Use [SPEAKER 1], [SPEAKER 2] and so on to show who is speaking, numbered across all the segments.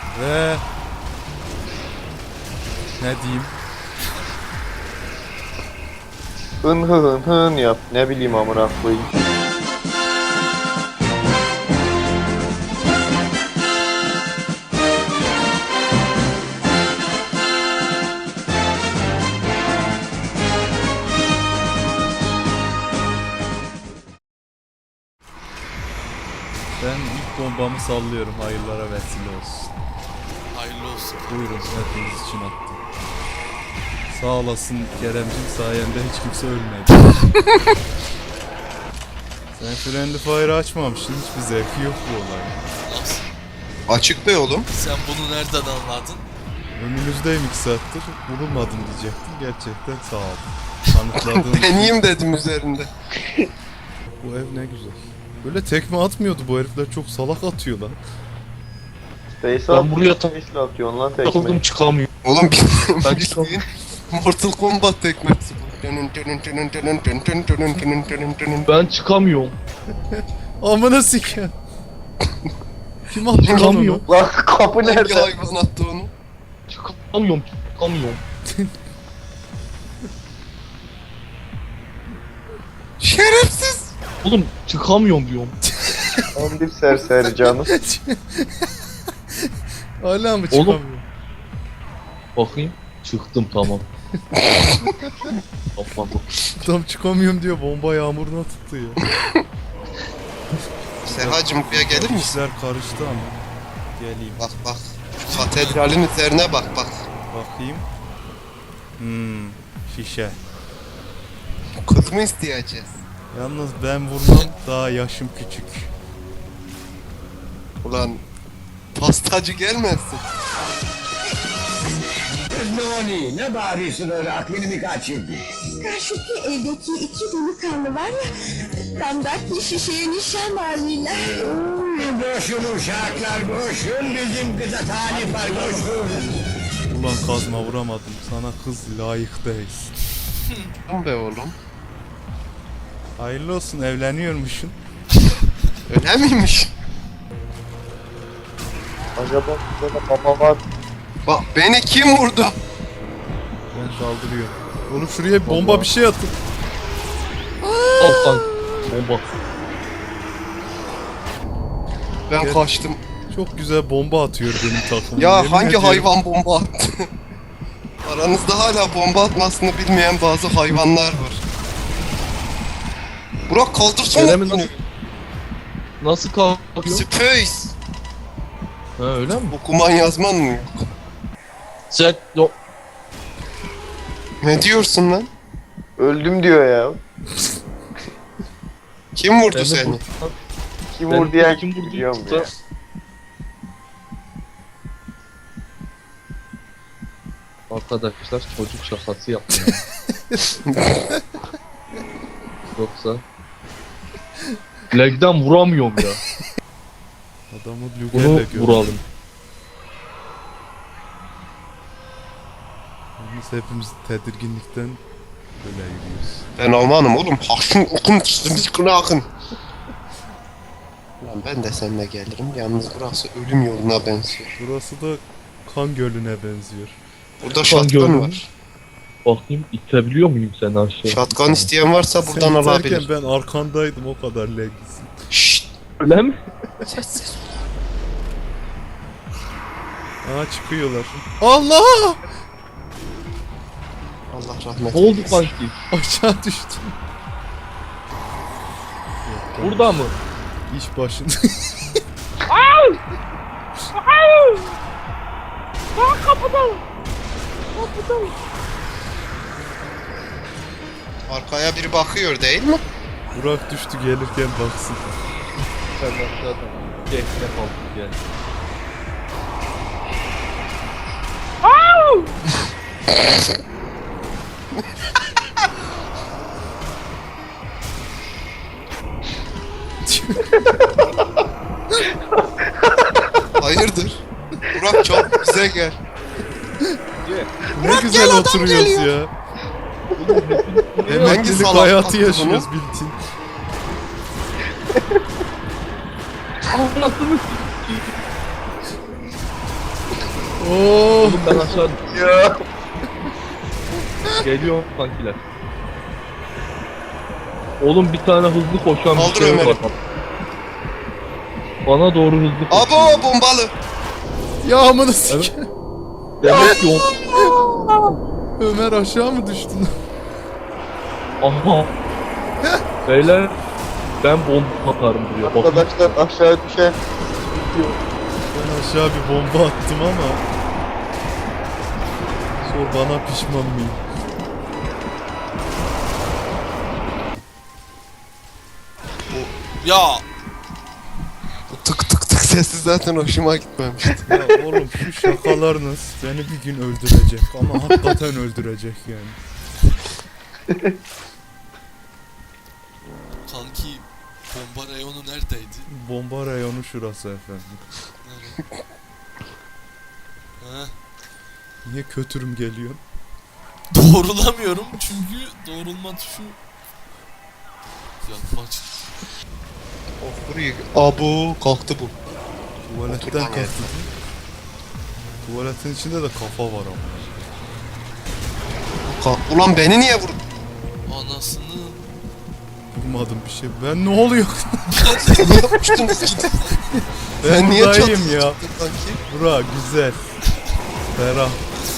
[SPEAKER 1] Ve ne diyeyim?
[SPEAKER 2] Hın hın hın yap. Ne bileyim amına koyayım.
[SPEAKER 1] Ben ilk bombamı sallıyorum. Hayırlara vesile olsun.
[SPEAKER 3] Hayırlı olsun.
[SPEAKER 1] Buyurun, hepiniz için attım. Sağ olasın Keremcim, sayende hiç kimse ölmedi. Sen Friendly Fire açmamışsın, hiçbir zevki yok bu olayın.
[SPEAKER 3] Nasıl?
[SPEAKER 4] Açık be oğlum.
[SPEAKER 3] Sen bunu nereden anladın?
[SPEAKER 1] Önünüzdeyim 2 saattir, bulunmadım diyecektim. Gerçekten sağ ol. Kanıtladığın için.
[SPEAKER 4] Deneyeyim dedim üzerinde.
[SPEAKER 1] Bu ev ne güzel. Böyle tekme atmıyordu bu herifler, çok salak atıyor lan.
[SPEAKER 2] Space
[SPEAKER 5] Ben buraya
[SPEAKER 2] Space'le atıyorsun lan
[SPEAKER 5] takıldım
[SPEAKER 2] tekmeyi.
[SPEAKER 5] çıkamıyorum.
[SPEAKER 4] Oğlum
[SPEAKER 5] Ben
[SPEAKER 4] bildiğin Mortal Kombat tekmesi bu.
[SPEAKER 5] Ben çıkamıyorum.
[SPEAKER 1] Amına siken. Kim attı lan onu?
[SPEAKER 5] Çıkamıyorum.
[SPEAKER 2] Lan kapı
[SPEAKER 4] Hangi
[SPEAKER 2] nerede?
[SPEAKER 4] hayvan attı onu?
[SPEAKER 5] Çıkamıyorum. Çıkamıyorum.
[SPEAKER 4] Şerefsiz!
[SPEAKER 5] Oğlum çıkamıyorum diyorum.
[SPEAKER 2] Tam bir serseri canım.
[SPEAKER 1] Hala mı
[SPEAKER 5] Oğlum.
[SPEAKER 1] çıkamıyor?
[SPEAKER 5] Bakayım. Çıktım tamam. Tamam.
[SPEAKER 1] Tam çıkamıyorum diyor, bomba yağmuruna tuttu ya.
[SPEAKER 4] Serhacım buraya gelir misin?
[SPEAKER 1] İşler karıştı ama. Geleyim.
[SPEAKER 4] Bak bak. Katedralin üzerine bak bak.
[SPEAKER 1] Bakayım. Şişe.
[SPEAKER 4] Kız mı isteyeceğiz?
[SPEAKER 1] Yalnız ben vurmam, daha yaşım küçük.
[SPEAKER 4] Ulan pastacı gelmezsin.
[SPEAKER 6] Noni, ne bağırıyorsun öyle, aklını mı kaçırdın?
[SPEAKER 7] Karşıki evdeki iki delikanlı var ya, damdaki şişeye nişan varlıyla.
[SPEAKER 6] Boşun uşaklar, boşun, bizim kıza talip var, boşun.
[SPEAKER 1] Ulan kazma vuramadım, sana kız layık değilsin.
[SPEAKER 4] Tamam be oğlum.
[SPEAKER 1] Hayırlı olsun, evleniyormuşsun.
[SPEAKER 4] Öyle miymiş?
[SPEAKER 2] Acaba burada da baba var.
[SPEAKER 4] Bak beni kim vurdu?
[SPEAKER 1] Ben saldırıyorum. Oğlum şuraya bir bomba bir şey atın.
[SPEAKER 5] Alttan. Bomba.
[SPEAKER 4] Ben
[SPEAKER 1] Gel.
[SPEAKER 4] kaçtım.
[SPEAKER 1] Çok güzel bomba atıyor benim takımım.
[SPEAKER 4] Ya
[SPEAKER 1] Yemin
[SPEAKER 4] hangi
[SPEAKER 1] ediyorum.
[SPEAKER 4] hayvan bomba attı? Aranızda hala bomba atmasını bilmeyen bazı hayvanlar var. Burak kaldırsana
[SPEAKER 5] Kerem'in
[SPEAKER 4] beni.
[SPEAKER 5] Nasıl kalkıyor?
[SPEAKER 4] Space.
[SPEAKER 5] Ha öyle mi?
[SPEAKER 4] Okuman yazman mı yok?
[SPEAKER 5] Sen o
[SPEAKER 4] Ne diyorsun lan?
[SPEAKER 2] Öldüm diyor ya.
[SPEAKER 4] Kim vurdu
[SPEAKER 5] beni
[SPEAKER 4] seni?
[SPEAKER 5] buradan-
[SPEAKER 2] Kim
[SPEAKER 5] beni
[SPEAKER 2] vurdu ya?
[SPEAKER 5] kim vurdu?
[SPEAKER 2] Biliyorum ya.
[SPEAKER 5] Arkadaşlar çocuk şakası yaptım. Yoksa legden vuramıyorum ya.
[SPEAKER 1] Adamı
[SPEAKER 5] Bunu
[SPEAKER 1] Luger'le gördüm.
[SPEAKER 5] vuralım.
[SPEAKER 1] Biz hepimiz tedirginlikten böyle yürüyoruz.
[SPEAKER 4] Ben Almanım oğlum. Haşın okun sıkına akın. Lan ben de seninle gelirim. Yalnız burası ölüm yoluna benziyor.
[SPEAKER 1] Burası da kan gölüne benziyor.
[SPEAKER 4] Burada
[SPEAKER 5] Şatkan
[SPEAKER 4] şatkan var.
[SPEAKER 5] Bakayım itebiliyor muyum seni aşağı?
[SPEAKER 4] Şatkan isteyen varsa buradan
[SPEAKER 1] Sen
[SPEAKER 4] alabilir.
[SPEAKER 1] giderken ben arkandaydım, o kadar legsin.
[SPEAKER 4] Şşt.
[SPEAKER 5] Öyle mi?
[SPEAKER 4] Sessiz.
[SPEAKER 1] Aa çıkıyorlar. Allah!
[SPEAKER 4] Allah rahmet
[SPEAKER 5] Ne oldu
[SPEAKER 4] eylesin.
[SPEAKER 5] sanki?
[SPEAKER 1] Aşağı düştüm.
[SPEAKER 5] Burada mı?
[SPEAKER 1] İş başında.
[SPEAKER 4] Arkaya biri bakıyor değil mi?
[SPEAKER 1] Burak düştü, gelirken baksın.
[SPEAKER 5] Sen aşağıdan. Gel ne kaldı gel.
[SPEAKER 4] Hayırdır? Burak çok bize gel.
[SPEAKER 1] Ne güzel oturuyoruz ya.
[SPEAKER 4] Hangi
[SPEAKER 1] Emeklilik
[SPEAKER 4] salak
[SPEAKER 1] hayatı
[SPEAKER 4] attı
[SPEAKER 1] yaşıyoruz
[SPEAKER 4] bunu?
[SPEAKER 1] bildiğin.
[SPEAKER 5] Anasını
[SPEAKER 1] Oo.
[SPEAKER 5] Oğlum ben aşağı
[SPEAKER 2] Ya.
[SPEAKER 5] geliyor kankiler. Oğlum bir tane hızlı koşan bir
[SPEAKER 4] Kaldır
[SPEAKER 5] şey
[SPEAKER 4] Ömer'i.
[SPEAKER 5] var. Bana doğru hızlı koşuyor.
[SPEAKER 4] Abo bombalı.
[SPEAKER 1] Ya amına sik.
[SPEAKER 5] Demek ki
[SPEAKER 1] Ömer aşağı mı düştün?
[SPEAKER 5] aha. Beyler ben bomba atarım buraya. Bakın
[SPEAKER 2] Arkadaşlar aşağı düşen.
[SPEAKER 1] Ben aşağı bir bomba attım ama. Sor bana pişman mıyım?
[SPEAKER 3] Ya
[SPEAKER 4] Bu tık tık tık sesi zaten hoşuma gitmemişti.
[SPEAKER 1] Ya oğlum şu şakalarınız beni bir gün öldürecek ama hakikaten öldürecek yani.
[SPEAKER 3] kanki bomba reyonu neredeydi?
[SPEAKER 1] Bomba reyonu şurası efendim.
[SPEAKER 3] Nerede? Heh.
[SPEAKER 1] Niye kötürüm geliyor?
[SPEAKER 3] Doğrulamıyorum çünkü doğrulma tuşu yapma çıktı.
[SPEAKER 4] Oh buraya. Abo kalktı bu.
[SPEAKER 1] Tuvaletten
[SPEAKER 4] Otur lan
[SPEAKER 1] kalktı. Tuvaletin içinde de kafa var ama.
[SPEAKER 4] Ulan beni niye vurdun?
[SPEAKER 3] Anasını
[SPEAKER 1] Vurmadım bir şey. Ben ne oluyor?
[SPEAKER 4] Niye yapmıştınız gidin?
[SPEAKER 1] Ben
[SPEAKER 4] niye
[SPEAKER 1] buradayım
[SPEAKER 4] çatıya
[SPEAKER 1] ya.
[SPEAKER 4] çıktın kanki?
[SPEAKER 1] Bura güzel. Ferah.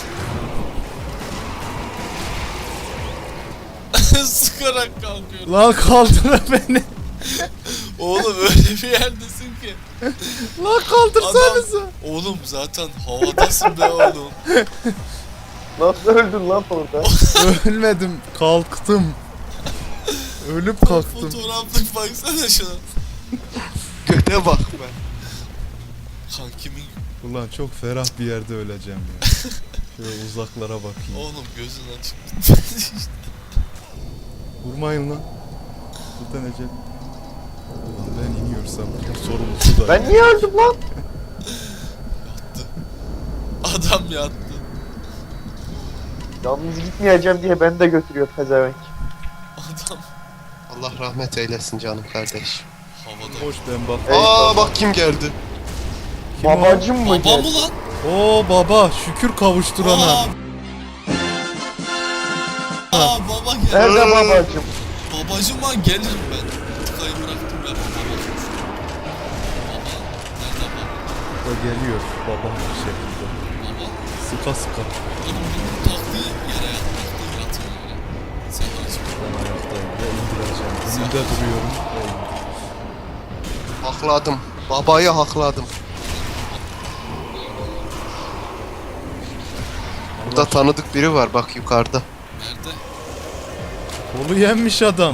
[SPEAKER 3] sıkarak kalkıyorum.
[SPEAKER 1] Lan kaldır beni.
[SPEAKER 3] Oğlum öyle bir yerdesin ki.
[SPEAKER 1] Lan kaldırsanıza.
[SPEAKER 3] Oğlum zaten havadasın be oğlum.
[SPEAKER 2] Nasıl öldün lan orada?
[SPEAKER 1] Ölmedim. Kalktım. Ölüp kalktım.
[SPEAKER 3] Fotoğraflık baksana şuna.
[SPEAKER 4] Göte bak be.
[SPEAKER 3] Kankimin
[SPEAKER 1] Ulan çok ferah bir yerde öleceğim ya. Şöyle uzaklara bakayım.
[SPEAKER 3] oğlum gözün açık.
[SPEAKER 1] Vurmayın lan. Buradan Ecel. Ulan ben iniyorsam bunun sorumlusu da.
[SPEAKER 2] Ben niye öldüm lan?
[SPEAKER 3] Adam yattı.
[SPEAKER 2] Yalnız gitmeyeceğim diye beni de götürüyor pezevenk.
[SPEAKER 3] Adam
[SPEAKER 4] Allah rahmet eylesin canım kardeş.
[SPEAKER 3] havada.
[SPEAKER 1] Hoş ben bak.
[SPEAKER 4] Aa bak kim geldi.
[SPEAKER 1] Kim o?
[SPEAKER 2] Babacım mı?
[SPEAKER 3] Baba mı lan?
[SPEAKER 1] Oo baba şükür kavuşturana.
[SPEAKER 3] Aa baba gel.
[SPEAKER 2] Nerede babacım?
[SPEAKER 3] Babacım lan gelirim ben. Tıkayı bıraktım ya baba. Baba. Nerede baba?
[SPEAKER 1] O geliyor baba bir şekilde.
[SPEAKER 3] Baba.
[SPEAKER 1] Sıka sıka.
[SPEAKER 3] Oğlum bunun taktiği yere yatmaktı. Yatın yere. Sen açma.
[SPEAKER 1] Ben ayaktayım ve indireceğim. Önünde duruyorum. ve indir.
[SPEAKER 4] Hakladım. Babayı hakladım. Burada tanıdık biri var bak yukarıda.
[SPEAKER 3] Nerede?
[SPEAKER 1] Kolu yenmiş adam.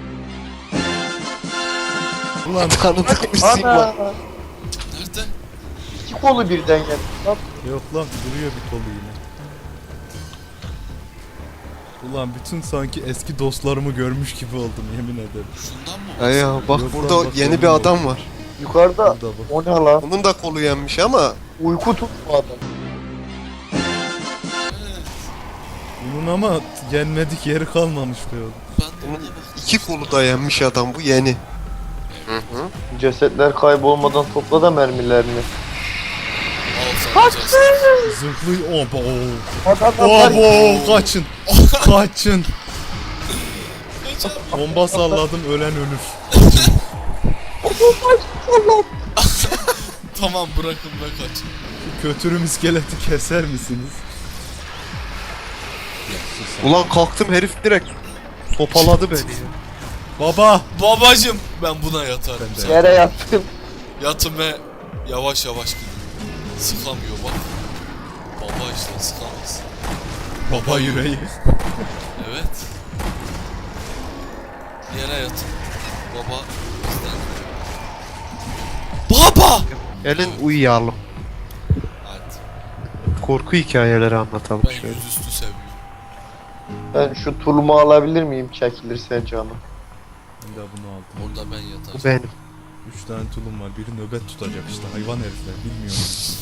[SPEAKER 1] Ulan
[SPEAKER 4] Tanıdık bir sim
[SPEAKER 2] Ana!
[SPEAKER 4] var.
[SPEAKER 3] Nerede?
[SPEAKER 2] İki kolu birden geldi. Lan
[SPEAKER 1] yok lan duruyor bir kolu yine. Ulan bütün sanki eski dostlarımı görmüş gibi oldum yemin ederim.
[SPEAKER 3] Şundan mı?
[SPEAKER 4] Ay ya bak
[SPEAKER 1] Yok lan,
[SPEAKER 4] burada
[SPEAKER 1] bak
[SPEAKER 4] yeni bir
[SPEAKER 1] yanıyor.
[SPEAKER 4] adam var.
[SPEAKER 2] yukarıda.
[SPEAKER 1] Burada bak.
[SPEAKER 2] O ne lan?
[SPEAKER 4] Onun da kolu yenmiş ama
[SPEAKER 2] Uyku tutma adam.
[SPEAKER 3] Evet.
[SPEAKER 1] Bunun ama yenmedik yeri kalmamış be oğlum.
[SPEAKER 3] Ben de
[SPEAKER 4] bunun
[SPEAKER 3] ona bak.
[SPEAKER 4] iki kolu da yenmiş adam bu yeni.
[SPEAKER 2] Cesetler kaybolmadan topla da mermilerini.
[SPEAKER 3] Al sen güzelsin.
[SPEAKER 1] Zırhlı oba
[SPEAKER 2] Adamlar
[SPEAKER 1] oba kaçın. Kaçın.
[SPEAKER 3] Kaç abi.
[SPEAKER 1] Bomba salladım ölen ölür.
[SPEAKER 3] Tamam bırakın be kaç.
[SPEAKER 1] Şu kötürüm iskeleti keser misiniz?
[SPEAKER 4] Ulan kalktım herif direkt topaladı beni ya.
[SPEAKER 1] Baba.
[SPEAKER 3] Babacım ben buna yatarım.
[SPEAKER 1] Ben de.
[SPEAKER 3] Sen
[SPEAKER 2] yere yattım.
[SPEAKER 3] yatın ve yavaş yavaş gidin. Sıkamıyor bak. Baba işte sıkamaz.
[SPEAKER 1] Baba yüreği.
[SPEAKER 3] Evet. Yere yatın. Baba bizden. Baba!
[SPEAKER 4] Gelin uyuyalım.
[SPEAKER 3] Hadi.
[SPEAKER 4] Korku hikayeleri anlatalım
[SPEAKER 3] Ben
[SPEAKER 4] şöyle.
[SPEAKER 3] yüzüstü seviyorum.
[SPEAKER 2] Ben şu tulumu alabilir miyim çekilirse canım?
[SPEAKER 1] Ben de bunu aldım.
[SPEAKER 3] Orada ben
[SPEAKER 4] Bu
[SPEAKER 3] yatarım.
[SPEAKER 4] benim.
[SPEAKER 1] 3 tane tulum var. Biri nöbet tutacak işte. Hayvan herifler. Bilmiyorum.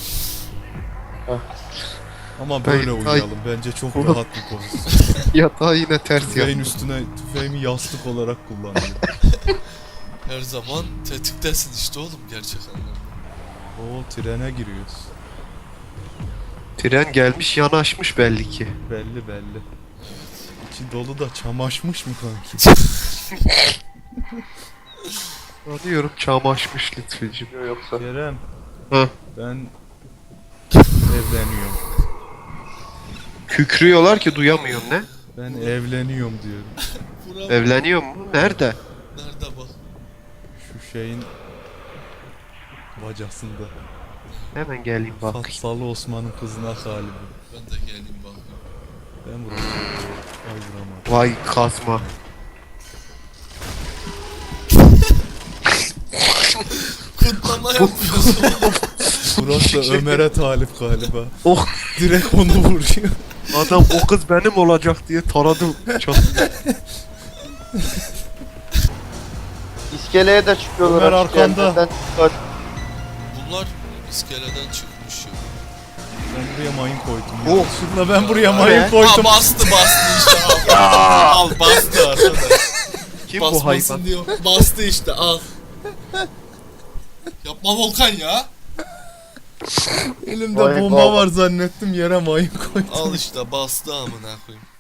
[SPEAKER 1] Ama böyle
[SPEAKER 4] Ay.
[SPEAKER 1] uyuyalım. Bence çok
[SPEAKER 4] Ulan.
[SPEAKER 1] rahat bir pozisyon.
[SPEAKER 4] Yatağı yine ters
[SPEAKER 1] Tüfeğin
[SPEAKER 4] yat.
[SPEAKER 1] üstüne tüfeğimi yastık olarak kullanıyorum.
[SPEAKER 3] Her zaman tetiktesin işte oğlum gerçek anlamda.
[SPEAKER 1] Oo trene giriyoruz.
[SPEAKER 4] Tren gelmiş yanaşmış belli ki.
[SPEAKER 1] Belli belli. İçi dolu da çamaşmış mı kanki?
[SPEAKER 4] Anlıyorum çamaşmış Lütfücüm.
[SPEAKER 2] Yoksa
[SPEAKER 1] Kerem.
[SPEAKER 4] Hı.
[SPEAKER 1] Ben evleniyorum.
[SPEAKER 4] Kükrüyorlar ki duyamıyorsun ne?
[SPEAKER 1] Ben evleniyorum diyorum.
[SPEAKER 3] Buram
[SPEAKER 4] Evleniyor mu? Nerede?
[SPEAKER 3] nerede bak?
[SPEAKER 1] Şu şeyin bacasında.
[SPEAKER 4] Hemen geleyim bak.
[SPEAKER 1] Fatsalı Osman'ın kızına galiba.
[SPEAKER 3] Ben de geleyim bak.
[SPEAKER 1] Ben vuracağım. Ay vuramadım.
[SPEAKER 4] Vay kazma.
[SPEAKER 3] Kutlama yapıyorsun.
[SPEAKER 1] Burası da Ömer'e talip galiba.
[SPEAKER 4] Oh,
[SPEAKER 1] Direkt onu vuruyor.
[SPEAKER 4] adam o kız benim olacak diye taradım. Çok...
[SPEAKER 2] iskeleye de çıkıyorlar.
[SPEAKER 1] Ömer
[SPEAKER 2] açık
[SPEAKER 1] arkanda.
[SPEAKER 2] yerlerden çıkıyor.
[SPEAKER 3] Bunlar iskeleden çıkmış ya.
[SPEAKER 1] Ben buraya mayın koydum.
[SPEAKER 4] Oh.
[SPEAKER 1] Yanlışlıkla ben buraya mayın
[SPEAKER 3] Ha
[SPEAKER 1] koydum.
[SPEAKER 3] bastı işte al. Al bastı arkadaş.
[SPEAKER 4] Kim bu
[SPEAKER 3] Basmasın
[SPEAKER 4] hayvan?
[SPEAKER 3] diyor. Bastı işte al. Yapma Volkan ya.
[SPEAKER 1] Elimde
[SPEAKER 2] Vay
[SPEAKER 1] bomba
[SPEAKER 2] baba.
[SPEAKER 1] var zannettim yere mayın koydum.
[SPEAKER 3] Al işte bastı amına koyayım.